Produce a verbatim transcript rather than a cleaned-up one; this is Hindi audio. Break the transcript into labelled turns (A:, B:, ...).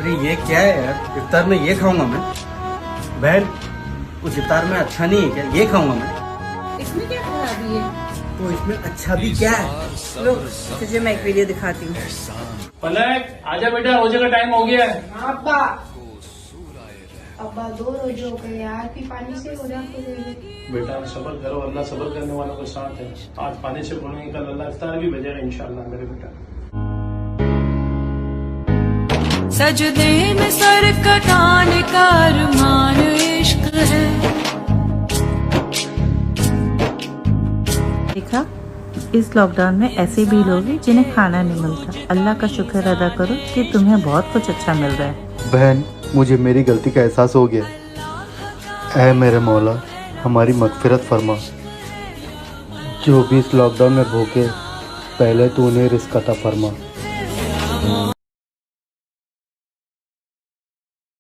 A: अरे ये क्या है यार, इफ्तार में ये खाऊंगा मैं? बहन, कुछ इफ्तार में अच्छा नहीं है क्या? ये खाऊंगा मैं?
B: इसमें क्या खराबी है?
A: तो इसमें अच्छा भी क्या है?
B: लो तुझे मैं एक वीडियो दिखाती हूँ।
C: पलक आजा बेटा, रोजे का टाइम हो गया है।
B: अब्बा अब्बा दो रोजे हो गए यार, फिर पानी से हो जाते।
C: बेटा सब्र करो, अल्लाह सब्र करने वालों के साथ है। आज पानी से पढ़ेंगे, कल अल्लाह इफ्तार भी भेजेगा इंशाल्लाह मेरे बेटा।
D: सजदे में सर कटाने का अरमान इश्क है।
E: देखा, इस लॉकडाउन में ऐसे भी लोग हैं जिन्हें खाना नहीं मिलता। अल्लाह का शुक्र अदा करो कि तुम्हें बहुत कुछ अच्छा मिल रहा है।
F: बहन, मुझे मेरी गलती का एहसास हो गया। ऐ मेरे मौला, हमारी मगफिरत फरमा। जो भी इस लॉकडाउन में भूखे, पहले तो उन्हें रिस्क अता फरमा।